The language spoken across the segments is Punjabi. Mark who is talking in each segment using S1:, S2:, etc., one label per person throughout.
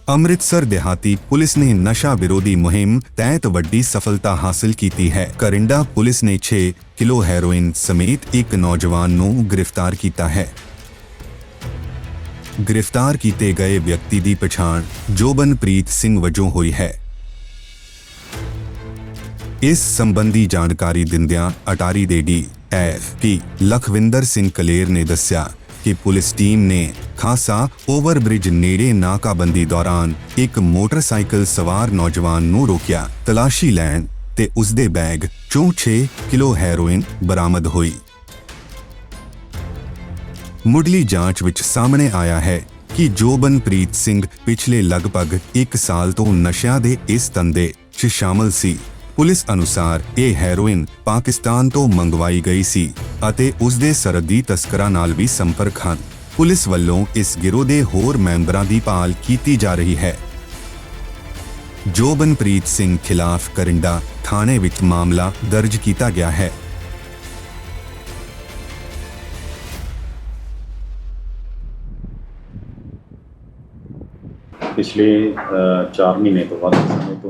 S1: ਅੰਮ੍ਰਿਤਸਰ ਦਿਹਾਤੀ ਪੁਲਿਸ ਨੇ ਨਸ਼ਾ ਵਿਰੋਧੀ ਮੁਹਿੰਮ ਤਹਿਤ ਵੱਡੀ ਸਫਲਤਾ ਹਾਸਲ ਕੀਤੀ ਹੈ। ਕਰਿੰਡਾ ਪੁਲਿਸ ਨੇ 6 ਕਿਲੋ ਹੈਰੋਇਨ ਸਮੇਤ ਇੱਕ ਨੌਜਵਾਨ ਨੂੰ ਗ੍ਰਿਫਤਾਰ ਕੀਤਾ ਹੈ। ਗ੍ਰਿਫਤਾਰ ਕੀਤੇ ਗਏ ਵਿਅਕਤੀ ਦੀ ਪਛਾਣ ਜੋਬਨਪ੍ਰੀਤ ਸਿੰਘ ਵਜੋਂ ਹੋਈ ਹੈ। ਇਸ ਸੰਬੰਧੀ ਜਾਣਕਾਰੀ ਦਿੰਦਿਆਂ ਅਟਾਰੀ ਦੇ ਡੀ.ਐਸ.ਪੀ. ਲਖਵਿੰਦਰ ਸਿੰਘ ਕਲੇਰ ਨੇ ਦੱਸਿਆ ਕਿ ਪੁਲਿਸ ਟੀਮ ਨੇ ਖਾਸਾ ਓਵਰਬ੍ਰਿਜ ਨੇੜੇ ਨਾਕਾਬੰਦੀ ਦੌਰਾਨ ਇੱਕ ਮੋਟਰਸਾਈਕਲ ਸਵਾਰ ਨੌਜਵਾਨ ਨੂੰ ਰੋਕਿਆ। ਤਲਾਸ਼ੀ ਲੈਣ ਤੇ ਉਸਦੇ ਬੈਗ 'ਚੋਂ 6 ਕਿਲੋ ਹੈਰੋਇਨ ਬਰਾਮਦ ਹੋਈ। ਮੁੱਢਲੀ ਜਾਂਚ ਵਿੱਚ ਸਾਹਮਣੇ ਆਇਆ ਹੈ ਕਿ ਜੋਬਨਪ੍ਰੀਤ ਸਿੰਘ ਪਿਛਲੇ ਲਗਭਗ 1 ਸਾਲ ਤੋਂ ਨਸ਼ਿਆਂ ਦੇ ਇਸ ਧੰਦੇ 'ਚ ਸ਼ਾਮਲ ਸੀ। ਪੁਲਿਸ ਅਨੁਸਾਰ ਇਹ ਹੈਰੋਇਨ ਪਾਕਿਸਤਾਨ ਤੋਂ ਮੰਗਵਾਈ ਗਈ ਸੀ ਅਤੇ ਉਸਦੇ ਸਰਹੱਦੀ ਤਸਕਰਾਂ ਨਾਲ ਵੀ ਸੰਪਰਕ ਹਨ। ਪੁਲਿਸ ਵੱਲੋਂ ਇਸ ਗਿਰੋਹ ਦੇ ਹੋਰ ਮੈਂਬਰਾਂ ਦੀ ਭਾਲ ਕੀਤੀ ਜਾ ਰਹੀ ਹੈ। ਜੋਬਨਪ੍ਰੀਤ ਸਿੰਘ ਖਿਲਾਫ ਕਰਿੰਡਾ ਥਾਣੇ ਵਿੱਚ ਮਾਮਲਾ ਦਰਜ ਕੀਤਾ ਗਿਆ ਹੈ।
S2: पिछले 4 महीने तो बाद समय तो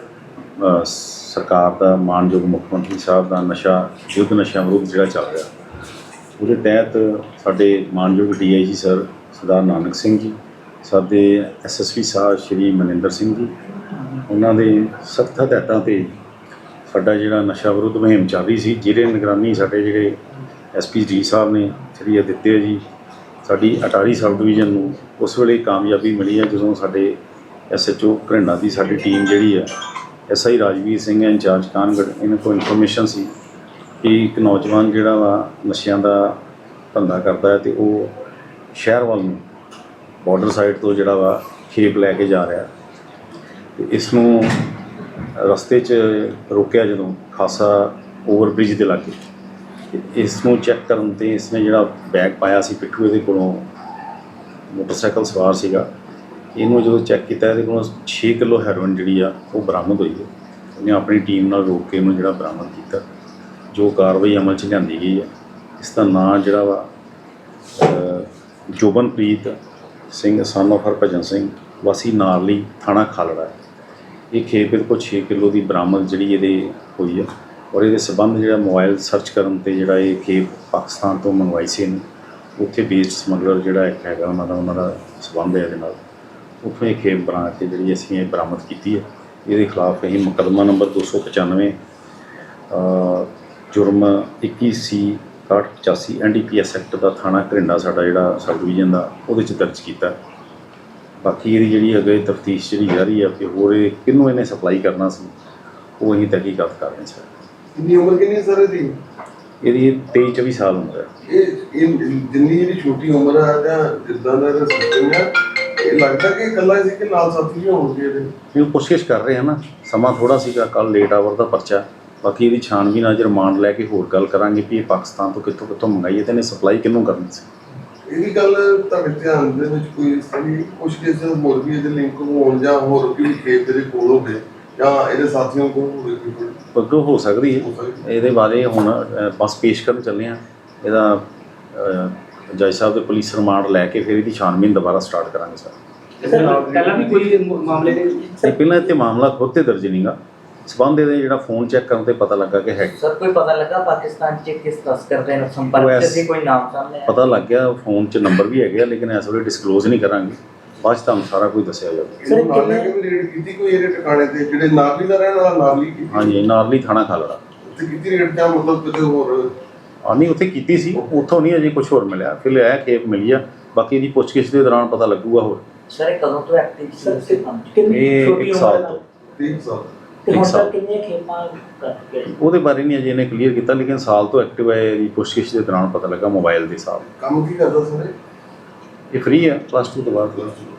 S2: सरकार का मानयोग मुख्यमंत्री साहब का नशा युद्ध नशा विरोध जोड़ा चल रहा उसके तहत साढ़े मानयोग DIG सर सरदार नानक सिंह जी साढ़े SSP साहब श्री मनिंदर सिंह जी उन्होंने सख्त हदायतों पर साडा जिहड़ा नशा विरोध मुहिम चल रही सी जिहदे निगरानी साढ़े जिहड़े SP जी साहब ने श्री आदित्य जी साड़ी अटारी सब डिवीजन में उस वेले कामयाबी मिली है जो साढ़े SHO घरिंडा की साड़ी टीम जी है SI राजवीर सिंह इंचार्ज कानगढ़ इन्हों को इन्फॉर्मेशन सी कि एक नौजवान जोड़ा वा नशियां का धंधा करता है तो वो शहर वाल बॉर्डर साइड तो जोड़ा वा खेप लैके जा रहा तो इसनों रस्ते च रोकया जो खासा ओवरब्रिज के लागे इसनों चैक करन ते इसने जिहड़ा बैग पाया सी पिट्ठू इहदे कोलों मोटरसाइकिल सवार सीगा इहनूं जो चैक किया इहदे कोलों 6 किलो हैरोइन जिहड़ी आ वो बरामद हुई है। उन्हें अपनी टीम नाल रोक के इहनूं जिहड़ा बरामद किया जो कार्रवाई अमल च लिआंदी गई है। इसका नाम जिहड़ा वा जोबनप्रीत सिंह सन ऑफ हरभजन सिंह वासी नारली थाणा खालड़ा है। ये खेप इहदे कोल 6 किलो की बरामद जिहड़ी इहदे हुई है और ये संबंध जो मोबाइल सर्च करन ते जिहड़ा ये खेप पाकिस्तान तो मंगवाई सी उत्थे बेस्ड समगलर जिहड़ा एक हैगा उन्हां दा संबंध है इहदे नाल उत्थों ये खेप बना के जिहड़ी असीं ये बरामद कीती है। इहदे खिलाफ असीं मुकदमा नंबर 295 जुर्म 21C/85 NDPS एक्ट का थाना घरिंडा साडा जिहड़ा सब डिवीजन का उहदे च दर्ज कीता। बाकी इहदी जिहड़ी अगे तफ्तीश जिहड़ी जारी है कि होर किहनूं इहने सप्लाई करना सी वो असीं तहकीकात कर रहे हैं।
S3: कितनी उम्र कितनी सर दी
S2: ਇਹਦੀ 23-24 ਸਾਲ ਉਮਰ ਹੈ।
S3: ਇਹ ਜਿੰਨੀ ਜਿਹੜੀ ਛੋਟੀ ਉਮਰ ਹੈ ਜਾਂ ਜਿੱਦਾਂ ਦਾ ਸਿਸਟਮ ਹੈ ਇਹ ਲੱਗਦਾ ਕਿ ਇਕੱਲਾ ਸੀ ਕਿ ਨਾਲ ਸਾਥੀ ਵੀ ਹੋਣਗੇ ਇਹਦੇ
S2: ਇਹ ਕੋਸ਼ਿਸ਼ ਕਰ ਰਹੇ ਹਨ ਨਾ ਸਮਾਂ ਥੋੜਾ ਸੀਗਾ ਕੱਲ ਲੇਟ ਆਵਰ ਦਾ ਪਰਚਾ ਬਾਕੀ ਇਹਦੀ ਛਾਣਬੀਨ ਅੱਜ ਰਿਮਾਂਡ ਲੈ ਕੇ ਹੋਰ ਗੱਲ ਕਰਾਂਗੇ ਕਿ ਇਹ ਪਾਕਿਸਤਾਨ ਤੋਂ ਕਿੱਥੋਂ ਮੰਗਾਈ ਹੈ ਤੇ ਇਹਨੇ ਸਪਲਾਈ ਕਿਹਨੂੰ ਕਰਨੀ ਸੀ।
S3: ਇਹਦੀ ਗੱਲ ਤੁਹਾਡੇ ਧਿਆਨ ਦੇ ਵਿੱਚ ਕੋਈ ਸਾਡੀ ਕੁਝ ਕੇਸ ਹੋਰ ਵੀ ਇਹਦੇ ਲਿੰਕ ਹੋਣ ਜਾਂ ਹੋਰ ਵੀ ਖੇਤ ਦੇ ਕੋਲ ਹੋਵੇ ਜਾਂ ਇਹਦੇ ਸਾਥੀਆਂ ਕੋਲ ਹੋਵੇ
S2: ਅੱਗੋਂ ਹੋ ਸਕਦੀ ਹੈ ਇਹਦੇ ਬਾਰੇ ਹੁਣ ਬਸ ਪੇਸ਼ ਕਰਨ ਚੱਲੇ ਆ ਇਹਦਾ ਜੱਜ ਸਾਹਿਬ ਦੇ ਪੁਲਿਸ ਰਿਮਾਂਡ ਲੈ ਕੇ ਫਿਰ ਇਹਦੀ ਛਾਣਬੀਨ ਦੁਬਾਰਾ ਸਟਾਰਟ ਕਰਾਂਗੇ ਸਰ।
S4: ਪਹਿਲਾਂ ਵੀ ਕੋਈ ਮਾਮਲੇ ਦੇ
S2: ਪਹਿਲਾਂ ਇੱਥੇ ਮਾਮਲਾ ਖੁਦ ਤੇ ਦਰਜ ਨਹੀਂਗਾ ਸਬੰਧ ਇਹਦੇ ਜਿਹੜਾ ਫੋਨ ਚੈੱਕ ਕਰਨ ਤੇ ਪਤਾ ਲੱਗਾ ਕਿ ਹੈ
S4: ਸਰ ਕੋਈ ਪਤਾ ਲੱਗਾ ਪਾਕਿਸਤਾਨ ਚ ਕਿਸ ਤਸਕਰ ਦੇ ਨਾਲ ਸੰਪਰਕ ਚ ਕੋਈ ਨਾਮ ਸਾਹਮਣੇ ਆਇਆ
S2: ਪਤਾ ਲੱਗ ਗਿਆ ਫੋਨ 'ਚ ਨੰਬਰ ਵੀ ਹੈਗੇ ਲੇਕਿਨ ਇਸ ਵੇਲੇ ਡਿਸਕਲੋਜ਼ ਨਹੀਂ ਕਰਾਂਗੇ ਬਾਅਦ 'ਚ ਤੁਹਾਨੂੰ ਸਾਰਾ ਕੁਝ ਦੱਸਿਆ ਜਾਊਗਾ।
S3: ਸਰ ਨਾਲੇ ਕਿ ਰੇਡ ਕੀਤੀ ਕੋਈ ਇਹਦੇ ਟਿਕਾਣੇ ਤੇ ਜਿਹੜੇ ਨਾਰਲੀ ਦਾ ਰਹਿਣ ਵਾਲਾ ਨਾਰਲੀ ਕੀਤੀ
S2: ਹਾਂਜੀ ਨਾਰਲੀ ਥਾਣਾ ਖਾਲੜਾ
S3: ਤੇ ਕਿਤੇ ਰੇਡ ਜਾਂ ਮਤਲਬ ਕਿਤੇ ਹੋਰ
S2: ਨਹੀਂ ਉੱਥੇ ਕੀਤੀ ਸੀ ਉੱਥੋਂ ਨਹੀਂ ਅਜੇ ਕੁਝ ਹੋਰ ਮਿਲਿਆ ਫਿਰ ਇਹ ਖੇਪ ਮਿਲੀ ਆ ਬਾਕੀ ਇਹਦੀ ਪੁੱਛਗਿੱਛ ਦੇ ਦੌਰਾਨ ਪਤਾ ਲੱਗੂਗਾ ਹੋਰ।
S4: ਸਰ ਇਹ ਕਦੋਂ ਤੋਂ ਐਕਟਿਵ ਸੀ
S2: ਇਹ 1 ਸਾਲ ਤੋਂ
S3: 3 ਸਾਲ
S4: ਤੇ ਹੁਣ ਤੱਕ ਕਿੰਨੀਆਂ ਖੇਪਾਂ ਕਰ ਗਏ
S2: ਉਹਦੇ ਬਾਰੇ ਨਹੀਂ ਅਜੇ ਇਹਨੇ ਕਲੀਅਰ ਕੀਤਾ ਲੇਕਿਨ ਸਾਲ ਤੋਂ ਐਕਟਿਵ ਹੈ। ਇਹਦੀ ਪੁੱਛਗਿੱਛ ਦੇ ਦੌਰਾਨ ਪਤਾ ਲੱਗਾ ਮੋਬਾਈਲ ਦੇ ਹਿਸਾਬ
S3: ਕੰਮ ਕੀ ਕਰਦਾ ਸਰ
S2: ਇਹ ਫ੍ਰੀ ਹੈ +2 ਤੋਂ ਬਾਅਦ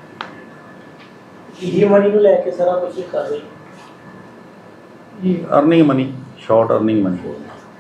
S4: ਇਹ ਮਨੀ ਨੂੰ ਲੈ ਕੇ ਸਾਰਾ ਕੁਝ ਕਰ ਰਹੀ
S2: earning money short earning money